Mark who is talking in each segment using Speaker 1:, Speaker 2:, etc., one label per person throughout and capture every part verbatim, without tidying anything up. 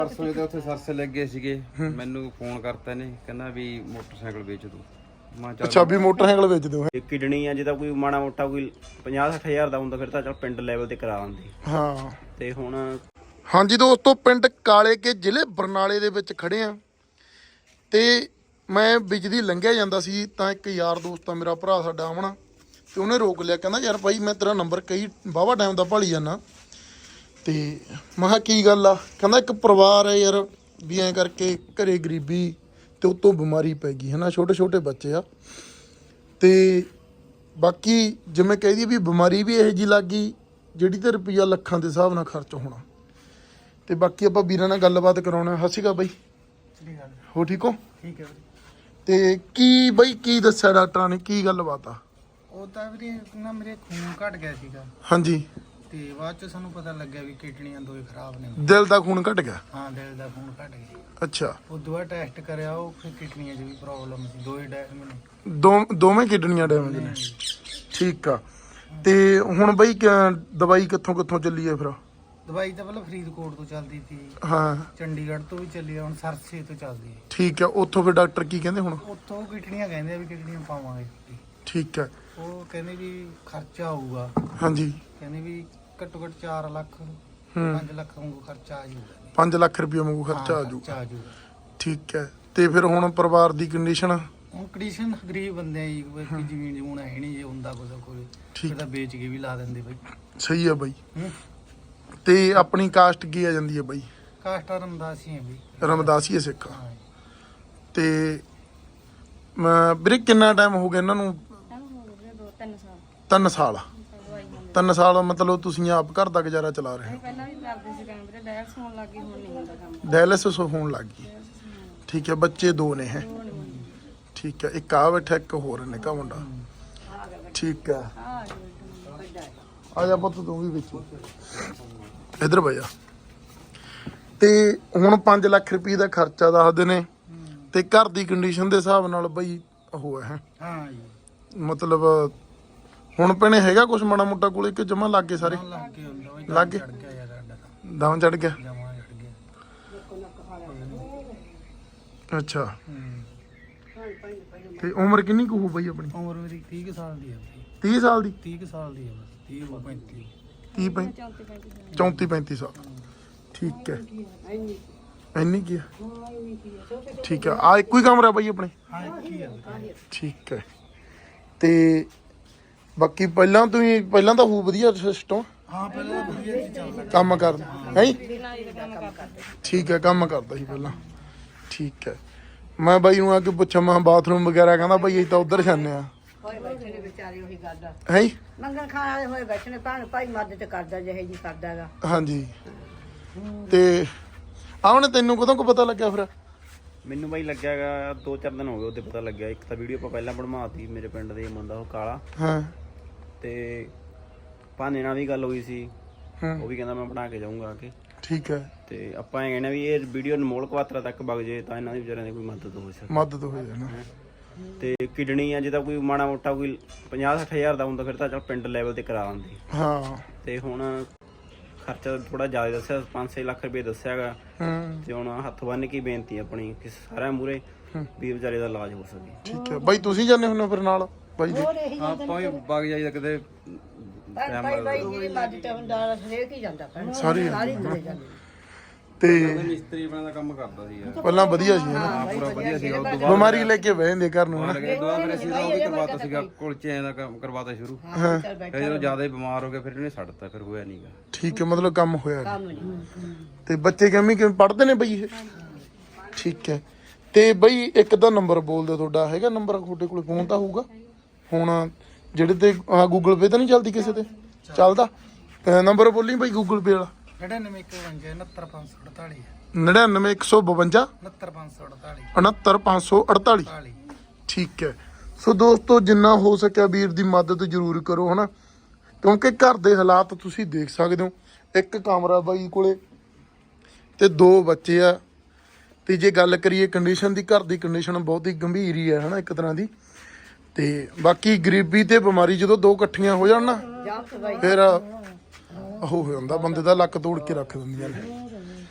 Speaker 1: परसों तो उत्थे सरसे लगे सीगे मैनू फोन करते ने कहना भी मोटरसाइकिल बेच दो।
Speaker 2: अच्छा भी मोटरसाइकिल बेच दो।
Speaker 3: किडनी आ जिदा कोई माड़ा मोटा कोई पचास सठ हज़ार दा हुंदा फिर तां चल पिंड ਲੈਵਲ ਤੇ ਕਰਾ ਦਿੰਦੇ।
Speaker 2: ਹਾਂ
Speaker 3: ਤੇ ਹੁਣ
Speaker 2: ਹਾਂਜੀ ਦੋਸਤੋ ਪਿੰਡ ਕਾਲੇ ਕੇ ਜ਼ਿਲ੍ਹੇ ਬਰਨਾਲੇ ਦੇ ਵਿੱਚ ਖੜੇ ਆ ਤੇ ਮੈਂ ਬਿਜਲੀ ਲੰਘਿਆ ਜਾਂਦਾ ਸੀ ਤਾਂ ਇੱਕ ਯਾਰ ਦੋਸਤ ਆ ਮੇਰਾ ਭਰਾ ਸਾਡਾ ਆਮਣਾ ਤੇ ਉਹਨੇ ਰੋਕ ਲਿਆ ਕਹਿੰਦਾ ਯਾਰ ਭਾਈ ਮੈਂ ਤੇਰਾ ਨੰਬਰ ਕਈ ਵਾਹਵਾ ਟਾਈਮ ਦਾ ਭਾਲੀ ਜਾਂਦਾ ਤੇ ਮੈਂ ਕਿਹਾ ਕੀ ਗੱਲ ਆ ਕਹਿੰਦਾ ਇੱਕ ਪਰਿਵਾਰ ਹੈ ਯਾਰ ਵੀ ਐਂ ਕਰਕੇ ਘਰੇ ਗਰੀਬੀ ਤੇ ਉਤੋਂ ਬਿਮਾਰੀ ਪੈ ਗਈ ਹੈ ਨਾ ਛੋਟੇ ਛੋਟੇ ਬੱਚੇ ਆ ਤੇ ਬਾਕੀ ਜਿਵੇਂ ਕਹਿ ਦਈਏ ਵੀ ਬਿਮਾਰੀ ਵੀ ਇਹੋ ਜਿਹੀ ਲੱਗ ਗਈ ਜਿਹੜੀ ਤੇ ਰੁਪਈਆ ਲੱਖਾਂ ਦੇ ਹਿਸਾਬ ਨਾਲ ਖਰਚ ਹੋਣਾ ਤੇ ਬਾਕੀ ਆਪਾਂ ਵੀਰਾਂ ਨਾਲ ਗੱਲਬਾਤ ਕਰਾਉਣਾ। ਸਤਿ ਸ਼੍ਰੀ ਅਕਾਲ ਬਾਈ। ਹੋ ਠੀਕ ਹੋ?
Speaker 4: ਠੀਕ ਹੈ
Speaker 2: ਤੇ ਕੀ ਬਾਈ ਕੀ ਦੱਸਿਆ ਡਾਕਟਰਾਂ ਨੇ ਕੀ ਗੱਲਬਾਤ ਆ?
Speaker 4: ਉਹ ਤਾਂ ਵੀਰੇ ਨਾ ਮੇਰੇ ਖੂਨ ਘਟ ਗਿਆ ਸੀਗਾ
Speaker 2: ਹਾਂਜੀ
Speaker 4: ਤੇ ਬਾਅਦ ਚ ਸਾਨੂੰ ਪਤਾ ਲੱਗਿਆ ਵੀ ਕਿਡਨੀਆਂ ਦੋਏ ਖਰਾਬ ਨੇ।
Speaker 2: ਦਿਲ ਦਾ ਖੂਨ ਘਟ ਗਿਆ?
Speaker 4: ਹਾਂ ਦਿਲ ਦਾ ਖੂਨ ਘਟ ਗਿਆ।
Speaker 2: ਅੱਛਾ
Speaker 4: ਉਹ ਦੁਆ ਟੈਸਟ ਕਰਿਆ ਉਹ ਫਿਰ ਕਿਡਨੀਆਂ 'ਚ ਵੀ ਪ੍ਰੋਬਲਮ ਸੀ ਦੋਏ ਡੈਮ ਨੇ
Speaker 2: ਦੋ ਦੋਵੇਂ ਕਿਡਨੀਆਂ ਡੈਮੇਜ ਨੇ। ਠੀਕ ਆ ਤੇ ਹੁਣ ਬਾਈ ਕ- ਦਵਾਈ ਕਿੱਥੋਂ ਕਿੱਥੋਂ ਚੱਲੀ ਹੈ ਫਿਰ?
Speaker 4: ਦਵਾਈ ਤਾਂ ਪਹਿਲਾਂ ਫਰੀਦਕੋਟ ਤੋਂ ਚੱਲਦੀ ਸੀ,
Speaker 2: ਹਾਂ
Speaker 4: ਚੰਡੀਗੜ੍ਹ ਤੋਂ ਵੀ ਚੱਲੀ ਆ, ਹੁਣ ਸਰਸੇ ਤੋਂ ਚੱਲਦੀ ਹੈ।
Speaker 2: ਠੀਕ ਆ ਉੱਥੋਂ ਫਿਰ ਡਾਕਟਰ ਕੀ ਕਹਿੰਦੇ ਹੁਣ?
Speaker 4: ਉੱਥੋਂ ਕਿਡਨੀਆਂ ਕਹਿੰਦੇ ਆ ਵੀ ਕਿਡਨੀਆਂ ਪਾਵਾਂਗੇ।
Speaker 2: ਠੀਕ ਆ
Speaker 4: ਉਹ ਕਹਿੰਦੇ ਵੀ ਖਰਚਾ ਆਊਗਾ,
Speaker 2: ਹਾਂਜੀ
Speaker 4: ਕਹਿੰਦੇ ਵੀ ਘੱਟੋ ਘੱਟ ਚਾਰ ਲੱਖ
Speaker 2: ਹੂੰ
Speaker 4: ਪੰਜ ਲੱਖ ਵਾਂਗੂ ਖਰਚਾ ਆ ਜਾਊਗਾ।
Speaker 2: ਪੰਜ ਲੱਖ ਰੁਪਏ ਵਾਂਗੂ ਖਰਚਾ ਆ
Speaker 4: ਖਰਚਾ
Speaker 2: ਜਾਊਗਾ।
Speaker 4: ਆ ਜਾਊਗਾ।
Speaker 2: ਠੀਕ ਹੈ ਤੇ ਫਿਰ ਹੁਣ ਪਰਿਵਾਰ ਦੀ ਕੰਡੀਸ਼ਨ?
Speaker 4: ਹੁਣ ਕੰਡੀਸ਼ਨ ਗਰੀਬ ਬੰਦੇ ਆ ਜੀ, ਕੋਈ ਜ਼ਮੀਨ ਜਮੂਨ ਹੈ ਨਹੀਂ, ਜੇ ਹੁੰਦਾ ਕੁਝ ਕੋਈ
Speaker 2: ਠੀਕ।
Speaker 4: ਫਿਰ ਤਾਂ ਵੇਚ ਕੇ ਵੀ ਲਾ ਦਿੰਦੇ ਬਾਈ।
Speaker 2: ਸਹੀ ਆ ਬਾਈ।
Speaker 4: ਹੂੰ
Speaker 2: ਤੇ ਆਪਣੀ ਕਾਸਟ ਕੀ ਆ ਜਾਂਦੀ ਹੈ ਬਾਈ?
Speaker 4: ਕਾਸਟਾ ਰਮਦਾਸੀ ਹੈ ਬਈ।
Speaker 2: ਰਮਦਾਸੀਏ ਸਿੱਖ ਆ।
Speaker 4: ਹਾਂ ਜੀ।
Speaker 2: ਤੇ ਮੈਂ ਵੀਰੇ ਕਿੰਨਾ ਟਾਈਮ ਹੋ ਗਿਆ ਇਹਨਾਂ ਨੂੰ? ਤਿੰਨ ਸਾਲ। ਤਿੰਨ ਸਾਲ ਮਤਲਬ ਤੁਸੀਂ ਆਪ ਘਰ ਦਾ ਗੁਜ਼ਾਰਾ ਚਲਾ ਰਹੇ ਹੋ?
Speaker 5: ਪਹਿਲਾਂ ਵੀ ਕਰਦੇ ਸੀ ਕੰਮ ਵੀਰੇ, ਡਾਇਲਸ ਹੋਣ ਲੱਗੀ, ਹੁਣ ਨਹੀਂ ਹੁੰਦਾ ਕੰਮ।
Speaker 2: ਡਾਇਲਿਸਿਸ ਹੋਣ ਲੱਗ ਗਈ। ਠੀਕ ਹੈ ਬੱਚੇ ਦੋ ਨੇ ਹੈ? ਠੀਕ ਹੈ ਇੱਕ ਆ ਬੈਠਾ ਇੱਕ ਹੋਰ ਨਿੱਕਾ ਮੁੰਡਾ। ਠੀਕ ਹੈ ਆ ਜਾ ਪੁੱਤ ਤੂੰ ਵੀ ਵਿੱਚ ਇੱਧਰ ਬਹਿ ਜਾ। ਤੇ ਹੁਣ ਪੰਜ ਲੱਖ ਰੁਪਏ ਦਾ ਖਰਚਾ ਦੱਸਦੇ ਨੇ ਤੇ ਘਰ ਦੀ ਕੰਡੀਸ਼ਨ ਦੇ ਹਿਸਾਬ ਨਾਲ ਬਈ ਉਹ ਹੈ
Speaker 4: ਹਾਂ ਜੀ।
Speaker 2: ਮਤਲਬ ਹੁਣ ਭੈਣੇ ਹੈਗਾ ਕੁਛ ਮਾੜਾ ਮੋਟਾ ਕੋਲੇ ਕਿ ਜਮਾ ਲੱਗ ਗਏ ਸਾਰੇ?
Speaker 4: ਲੱਗ ਕੇ ਹੁੰਦਾ ਬਈ,
Speaker 2: ਲੱਗ ਗਏ?
Speaker 4: ਚੜ ਗਿਆ ਯਾਰ ਸਾਡਾ ਤਾਂ,
Speaker 2: ਦਮ ਚੜ ਗਿਆ?
Speaker 4: ਜਮਾਂ ਚੜ ਗਿਆ।
Speaker 2: ਅੱਛਾ
Speaker 4: ਹੂੰ
Speaker 2: ਤੇ ਉਮਰ ਕਿੰਨੀ ਕੁ ਹੋ ਬਈ ਆਪਣੀ?
Speaker 4: ਉਮਰ ਮੇਰੀ ਤੀਹ ਕੁ ਸਾਲ ਦੀ ਹੈ ਬਈ।
Speaker 2: ਤੀਹ ਸਾਲ ਦੀ?
Speaker 4: ਤੀਹ ਕੁ ਸਾਲ ਦੀ ਹੈ ਬਸ, ਤੀਹ ਤੋਂ ਪੈਂਤੀ।
Speaker 2: ਤੀਹ ਪੈਂਤੀ ਚੌਂਤੀ ਪੈਂਤੀ ਸਾਲ। ਠੀਕ ਹੈ ਇੰਨੀ ਕੀ ਆ? ਠੀਕ ਹੈ ਆ ਇੱਕੋ ਹੀ ਕਮਰਾ ਬਾਈ ਆਪਣੇ?
Speaker 4: ਹਾਂ ਕੀ ਹੈ।
Speaker 2: ਠੀਕ ਹੈ ਤੇ ਬਾਕੀ ਪਹਿਲਾਂ ਤੁਸੀਂ ਪਹਿਲਾਂ ਤਾਂ ਹੋ ਵਧੀਆ ਸਿਸਟਮ
Speaker 4: ਹਾਂ ਪਹਿਲਾਂ ਤਾਂ ਵਧੀਆ ਸੀ ਚੱਲਦਾ
Speaker 2: ਕੰਮ ਕਰਦਾ ਹੈ? ਠੀਕ ਹੈ ਕੰਮ ਕਰਦਾ ਸੀ ਪਹਿਲਾਂ। ਠੀਕ ਹੈ ਮੈਂ ਬਾਈ ਨੂੰ ਆ ਕੇ ਪੁੱਛਾਂ ਮੈਂ ਬਾਥਰੂਮ ਵਗੈਰਾ ਕਹਿੰਦਾ ਬਾਈ ਅਸੀਂ ਤਾਂ ਉਧਰ ਜਾਂਦੇ ਆ।
Speaker 6: ਹੋਏ ਬੈਠੇ ਨੇ ਵਿਚਾਰੇ ਉਹੀ ਗੱਲ ਆ।
Speaker 2: ਹੈ
Speaker 6: ਮੰਗਣ ਖਾਣ ਵਾਲੇ ਹੋਏ ਬੈਠੇ ਨੇ, ਭਾਣ ਭਾਈ ਮਦਦ ਕਰਦਾ ਜਿਹੇ ਜੀ ਕਰਦਾ ਹੈਗਾ।
Speaker 2: ਹਾਂਜੀ ਤੇ ਆਉਣੇ ਤੈਨੂੰ ਕਦੋਂ ਕੁ ਪਤਾ ਲੱਗਿਆ ਫਿਰ?
Speaker 3: ਮੈਨੂੰ ਬਾਈ ਲੱਗਿਆਗਾ ਦੋ ਚਾਰ ਦਿਨ ਹੋ ਗਏ ਉਹਦੇ ਪਤਾ ਲੱਗਿਆ। ਇੱਕ ਤਾਂ ਵੀਡੀਓ ਆਪਾਂ ਪਹਿਲਾਂ ਬਣਵਾਤੀ ਮੇਰੇ ਪਿੰਡ ਦੇ ਮੁੰਡਾ ਉਹ ਕਾਲਾ
Speaker 2: ਹਾਂ
Speaker 3: ਤੇ ਭਾਨੇ ਨਾਲ ਵੀ ਗੱਲ ਹੋਈ ਸੀ,
Speaker 2: ਹਾਂ
Speaker 3: ਉਹ ਵੀ ਕਹਿੰਦਾ ਮੈਂ ਬਣਾ ਕੇ ਜਾਊਂਗਾ ਆ ਕੇ।
Speaker 2: ਠੀਕ ਹੈ
Speaker 3: ਤੇ ਆਪਾਂ ਇਹ ਕਹਿੰਦੇ ਵੀ ਇਹ ਵੀਡੀਓ ਅਨਮੋਲ ਕਵਾਤਰਾ ਤੱਕ ਵਗ ਜੇ ਤਾਂ ਇਹਨਾਂ ਦੀ ਵਿਚਾਰਿਆਂ ਦੀ ਕੋਈ ਮਦਦ ਹੋ ਸਕੇ।
Speaker 2: ਮਦਦ ਹੋ ਜਾਣਾ।
Speaker 3: ਤੇ ਕਿਡਨੀ ਆ ਜਿਦਾ ਕੋਈ ਮਾੜਾ ਮੋਟਾ ਕੋਈ ਪਚਾਸ ਸੱਠ ਹਜ਼ਾਰ ਦਾ ਹੁੰਦਾ ਫਿਰ ਤਾਂ ਚਲ ਪਿੰਡ ਲੈਵਲ ਤੇ ਕਰਾ ਦਿੰਦੇ।
Speaker 2: ਹਾਂ
Speaker 3: ਤੇ ਹੁਣ ਖਰਚਾ ਥੋੜਾ ਜ਼ਿਆਦਾ ਦੱਸਿਆ, ਪੰਜ ਛੇ ਲੱਖ ਰੁਪਏ ਦੱਸਿਆਗਾ।
Speaker 2: ਹਾਂ
Speaker 3: ਤੇ ਹੁਣ ਹੱਥ ਬੰਨ ਕੇ ਬੇਨਤੀ ਆਪਣੀ ਕਿ ਸਾਰਿਆਂ ਮੂਹਰੇ ਵੀ ਵਿਚਾਰੇ ਦਾ ਇਲਾਜ ਹੋ ਸਕੇ।
Speaker 2: ਠੀਕ ਹੈ ਬਾਈ ਤੁਸੀਂ ਜਾਂਦੇ ਹੁੰਦੇ ਹੋ ਫਿਰ ਨਾਲ ਬਾਈ ਦੇ?
Speaker 6: ਹੋਰ ਇਹੀ
Speaker 1: ਆਪਾਂ ਵੀ ਵਗ ਜਾਈਦਾ ਕਿਤੇ
Speaker 6: ਭਾਈ ਭਾਈ ਭਾਈ ਜੀ ਮਦਦ ਹੁੰਦਾ ਹਰੇਕ ਹੀ ਜਾਂਦਾ ਭੈਣ।
Speaker 2: ਸਾਰੇ
Speaker 6: ਸਾਰੇ ਤੁਰੇ ਜਾਂਦੇ।
Speaker 2: ਤੇ
Speaker 1: ਮਿਸਤਰੀ ਬਣਾ ਦਾ ਕੰਮ ਕਰਦਾ ਸੀ ਯਾਰ।
Speaker 2: ਪਹਿਲਾਂ ਵਧੀਆ ਸੀ ਨਾ?
Speaker 1: ਹਾਂ ਪੂਰਾ ਵਧੀਆ ਸੀਗਾ। ਉਸ ਤੋਂ ਬਾਅਦ
Speaker 2: ਬਿਮਾਰੀ ਲੈ ਕੇ ਬਹਿ ਜਾਂਦੇ ਘਰ ਨੂੰ ਹਨਾ?
Speaker 1: ਲੱਗੇ ਦੁਆ ਫਿਰ ਅਸੀਂ ਤਾਂ ਉਹ ਵੀ ਕਰਵਾਤਾ ਸੀਗਾ ਕੁਲਚਿਆਂ ਦਾ ਕੰਮ ਕਰਵਾਤਾ ਸ਼ੁਰੂ।
Speaker 6: ਹਾਂ ਚੱਲ ਬੈਠ
Speaker 1: ਫਿਰ ਜਦੋਂ ਜ਼ਿਆਦਾ ਹੀ ਬਿਮਾਰ ਹੋ ਗਏ ਫਿਰ ਇਹਨੇ ਛੱਡਤਾ, ਫਿਰ ਹੋਇਆ ਨਹੀਂਗਾ।
Speaker 2: ਠੀਕ ਹੈ ਮਤਲਬ ਕੰਮ ਹੋਇਆ ਨੀ।
Speaker 6: ਕੰਮ ਨਹੀਂ।
Speaker 2: ਤੇ ਬੱਚੇ ਕਿਵੇਂ ਕਿਵੇਂ ਪੜ੍ਹਦੇ ਨੇ ਬਈ ਇਹ? ਠੀਕ ਹੈ ਤੇ ਬਈ ਇੱਕ ਤਾਂ ਨੰਬਰ ਬੋਲ ਦਿਓ ਤੁਹਾਡਾ ਹੈਗਾ ਨੰਬਰ ਤੁਹਾਡੇ ਕੋਲ? ਫੋਨ ਤਾਂ ਹੋਊਗਾ ਹੁਣ ਜਿਹੜੇ ਤੇ ਗੂਗਲ ਪੇ ਤਾਂ ਨਹੀਂ ਚੱਲਦੀ ਕਿਸੇ ਤੇ? ਚੱਲਦਾ ਨੰਬਰ ਬੋਲੀ ਬਈ ਗੂਗਲ ਪੇ ਵਾਲਾ?
Speaker 4: ਨੜਿਨਵੇਂ ਇੱਕ ਬਵੰਜਾ ਉਣੱਤਰ ਪੰਜ ਸੌ ਅੜਤਾਲੀ
Speaker 2: ਨੜਿਨਵੇਂ ਇੱਕ ਸੌ ਬਵੰਜਾ
Speaker 4: ਉਣੱਤਰ ਪੰਜ ਸੌ ਅੜਤਾਲੀ
Speaker 2: ਉਣੱਤਰ ਪੰਜ ਸੌ ਅੜਤਾਲੀ।
Speaker 4: ਅੜਤਾਲੀ।
Speaker 2: ਠੀਕ ਹੈ ਸੋ ਦੋਸਤੋ ਜਿੰਨਾ ਹੋ ਸਕਿਆ ਵੀਰ ਦੀ ਮਦਦ ਜ਼ਰੂਰ ਕਰੋ ਹਨਾ, ਕਿਉਂਕਿ ਘਰ ਦੇ ਹਾਲਾਤ ਤੁਸੀਂ ਦੇਖ ਸਕਦੇ ਹੋ। ਇੱਕ ਕਮਰਾ ਬਾਈ ਕੋਲੇ ਤੇ ਦੋ ਬੱਚੇ ਆ ਤੇ ਜੇ ਗੱਲ ਕਰੀਏ ਕੰਡੀਸ਼ਨ ਦੀ, ਘਰ ਦੀ ਕੰਡੀਸ਼ਨ ਬਹੁਤ ਹੀ ਗੰਭੀਰ ਹੀ ਹੈ ਹਨਾ ਇੱਕ ਤਰ੍ਹਾਂ ਦੀ। ਤੇ ਬਾਕੀ ਗਰੀਬੀ ਤੇ ਬਿਮਾਰੀ ਜਦੋਂ ਦੋ ਇਕੱਠੀਆਂ ਹੋ ਜਾਣ ਨਾ ਫਿਰ ਉਹ ਹੋ ਜਾਂਦਾ ਬੰਦੇ ਦਾ, ਲੱਕ ਤੋੜ ਕੇ ਰੱਖ ਦਿੰਦੀਆਂ ਨੇ।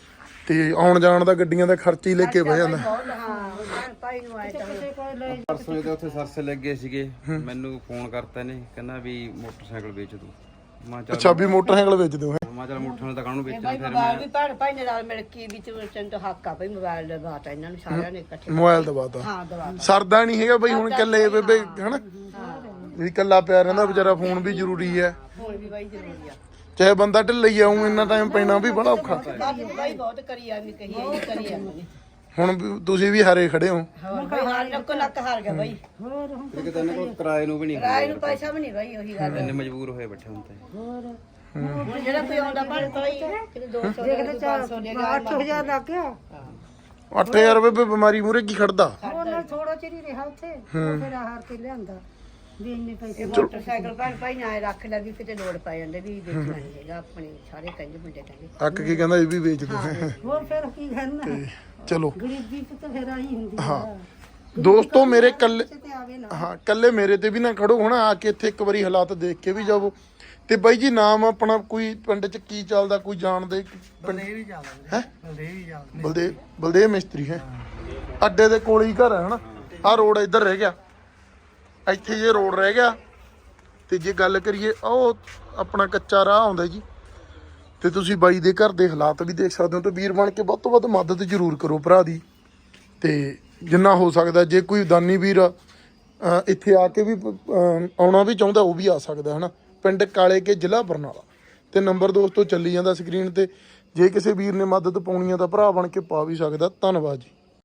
Speaker 2: ਤੇ ਆਉਣ ਜਾਣ ਦਾ ਗੱਡੀਆਂ ਦਾ ਖਰਚਾ ਹੀ ਲੈ ਕੇ ਬਹਿ ਜਾਂਦਾ।
Speaker 6: ਬਹੁਤ ਹਾਂ ਭੈਣ ਭਾਈ ਨੂੰ ਆਏ ਤਾਂ
Speaker 1: ਪਰਸੋਂ ਦੇ ਉੱਥੇ ਸਰਸੇ ਲੱਗੇ ਸੀਗੇ, ਮੈਨੂੰ ਫੋਨ ਕਰਤਾ ਨੇ, ਕਹਿੰਦਾ ਵੀ ਮੋਟਰਸਾਈਕਲ ਵੇਚ ਦੂ। ਮੈਂ ਚੱਲ
Speaker 2: ਅੱਛਾ ਵੀ ਮੋਟਰਸਾਈਕਲ ਵੇਚ ਦਿਓ।
Speaker 1: ਮੈਂ ਚੱਲ ਮੋਟਰਸਾਈਕਲ ਤਾਂ ਕਾਹਨੂੰ ਵੇਚਣਾ,
Speaker 6: ਭਾਈ
Speaker 1: ਫਿਰ
Speaker 6: ਮੋਬਾਈਲ
Speaker 1: ਮੈਂ
Speaker 6: ਵੀ ਭੈਣ ਭਾਈ ਨੇ ਨਾਲ ਮਿਲ ਕੇ ਵਿੱਚ ਚੰਦ ਹੱਕ ਆ ਭਾਈ ਮੋਬਾਈਲ ਦਾ ਬਾਤ ਆ ਇਹਨਾਂ ਨੂੰ ਸਾਰਿਆਂ ਨੇ ਇਕੱਠੇ
Speaker 2: ਮੋਬਾਈਲ ਦਵਾਤਾ।
Speaker 6: ਹਾਂ ਦਵਾ
Speaker 2: ਸਰਦਾ ਨਹੀਂ ਹੈਗਾ ਬਈ ਹੁਣ ਇਕੱਲੇ ਬੇਬੇ ਹਨਾ, ਵੀ ਇਕੱਲਾ ਪਿਆ ਰਹਿੰਦਾ ਵਿਚਾਰਾ, ਫੋਨ ਵੀ ਜ਼ਰੂਰੀ ਹੈ,
Speaker 6: ਹੁਣ ਵੀ ਬਾਈ ਜ਼ਰੂਰੀ ਆ।
Speaker 2: ਚਾਹੇ ਬੰਦਾ ਢਿੱਲਾ ਹੀ ਆਉਂ ਇੰਨਾ ਟਾਈਮ ਪੈਣਾ ਵੀ ਬੜਾ ਔਖਾ।
Speaker 6: ਬਾਈ ਬਾਈ ਬਹੁਤ ਕਰੀ ਆ ਵੀ ਕਹੀ ਆ ਇਹ ਕਰੀ ਆ
Speaker 2: ਹੁਣ ਵੀ ਤੁਸੀਂ ਵੀ ਹਾਰੇ ਖੜੇ ਹੋ।
Speaker 6: ਹੋਰ ਬਾਈ ਹਾਰ ਨੱਕ ਨੱਕ ਹਾਰ ਗਿਆ ਬਾਈ।
Speaker 1: ਫਿਰ ਕਿਤੇ ਇਹਨਾਂ ਕੋਲ ਕਿਰਾਏ ਨੂੰ ਵੀ ਨਹੀਂ
Speaker 6: ਰਾਏ ਨੂੰ ਪੈਸਾ ਵੀ ਨਹੀਂ ਬਾਈ ਉਹੀ ਗੱਲ
Speaker 1: ਇੰਨੇ ਮਜਬੂਰ ਹੋਏ ਬੈਠੇ ਹੁਣ ਤੇ।
Speaker 6: ਹੁਣ ਜਿਹੜਾ ਕੋਈ ਆਉਂਦਾ ਭੈਣ ਭਾਈ ਕਿਤੇ ਦੋ ਸੌ ਦੇ ਕੇ ਪੰਜ ਸੌ ਦੇ ਗਿਆ ਅੱਠ ਹਜ਼ਾਰ ਲੱਗ ਗਿਆ।
Speaker 2: ਅੱਠ ਹਜ਼ਾਰ ਰੁਪਏ ਬਿਮਾਰੀ ਮੂਰੇ ਕੀ ਖੜਦਾ।
Speaker 7: ਉਹਨਾਂ ਥੋੜਾ ਚਿਰ ਹੀ ਰਿਹਾ ਉੱਥੇ ਉਹ ਫਿਰ ਹਾਰ ਕੇ ਲਿਆਂਦਾ ਵੀ ਇੰਨੇ ਪੈਸੇ
Speaker 6: ਮੋਟਰਸਾਈਕਲ ਭੈਣ ਭਾਈ ਨਾ ਰੱਖ ਲੈ ਵੀ ਕਿਤੇ ਲੋੜ ਪੈ ਜਾਂਦੇ ਵੀ ਵੇਚਣਾ ਨਹੀਂ ਹੈਗਾ ਆਪਣੇ ਸਾਰੇ ਕਹਿੰਦੇ ਮੁੰਡੇ ਕਹਿੰਦੇ।
Speaker 2: ਅੱਕ ਕੇ ਕਹਿੰਦਾ ਇਹ ਵੀ ਵੇਚ ਦੋ।
Speaker 7: ਹੋਰ ਫਿਰ ਕੀ ਕਰਨਾ
Speaker 2: ਚਲੋ
Speaker 7: ਗਰੀਬੀ ਚ ਤਾਂ ਫਿਰ ਆਈ ਹੁੰਦੀ ਆ
Speaker 2: ਦੋਸਤੋ ਮੇਰੇ ਕੱਲੇ
Speaker 7: ਤੇ ਆਵੇ ਨਾ
Speaker 2: ਹਾਂ ਕੱਲੇ ਮੇਰੇ ਤੇ ਵੀ ਨਾ ਖੜੋ, ਹੁਣ ਆ ਕੇ ਇੱਥੇ ਇੱਕ ਵਾਰੀ ਹਾਲਾਤ ਦੇਖ ਕੇ ਵੀ ਜਾਵੋ। ਤੇ ਬਾਈ ਜੀ ਨਾਮ ਆਪਣਾ ਕੋਈ ਪਿੰਡ ਚ ਕੀ ਚੱਲਦਾ, ਕੋਈ ਜਾਣਦੇ
Speaker 4: ਬਲਦੇਵ ਹੀ ਚੱਲਦਾ
Speaker 2: ਹੈ?
Speaker 4: ਬਲਦੇਵ ਹੀ ਚੱਲਦਾ।
Speaker 2: ਬਲਦੇਵ ਬਲਦੇਵ ਮਿਸਤਰੀ ਹੈ, ਅੱਡੇ ਦੇ ਕੋਲ ਹੀ ਘਰ ਹੈ ਹਨਾ। ਆਹ ਰੋਡ ਇੱਧਰ ਰਹਿ ਗਿਆ, ਇੱਥੇ ਜੇ ਰੋਡ ਰਹਿ ਗਿਆ। ਤੇ ਜੇ ਗੱਲ ਕਰੀਏ ਉਹ ਆਪਣਾ ਕੱਚਾ ਰਾਹ ਆਉਂਦਾ ਜੀ, ਤੇ ਤੁਸੀਂ ਬਾਈ ਦੇ ਘਰ ਦੇ ਹਾਲਾਤ ਵੀ ਦੇਖ ਸਕਦੇ ਹੋ। ਤੇ ਵੀਰ ਬਣ ਕੇ ਵੱਧ ਤੋਂ ਵੱਧ ਮਦਦ ਜ਼ਰੂਰ ਕਰੋ ਭਰਾ ਦੀ, ਤੇ ਜਿੰਨਾ ਹੋ ਸਕਦਾ ਜੇ ਕੋਈ ਦਾਨੀ ਵੀਰ ਅਹ ਇੱਥੇ ਆ ਕੇ ਵੀ ਅਹ ਆਉਣਾ ਵੀ ਚਾਹੁੰਦਾ ਉਹ ਵੀ ਆ ਸਕਦਾ ਹਨਾ। ਪਿੰਡ ਕਾਲੇ ਕੇ ਜ਼ਿਲ੍ਹਾ ਬਰਨਾਲਾ, ਤੇ ਨੰਬਰ ਦੋਸਤੋ ਚੱਲੀ ਜਾਂਦਾ ਸਕਰੀਨ ਤੇ। ਜੇ ਕਿਸੇ ਵੀਰ ਨੇ ਮਦਦ ਪਾਉਣੀ ਆ ਤਾਂ ਭਰਾ ਬਣ ਕੇ ਪਾ ਵੀ ਸਕਦਾ। ਧੰਨਵਾਦ ਜੀ।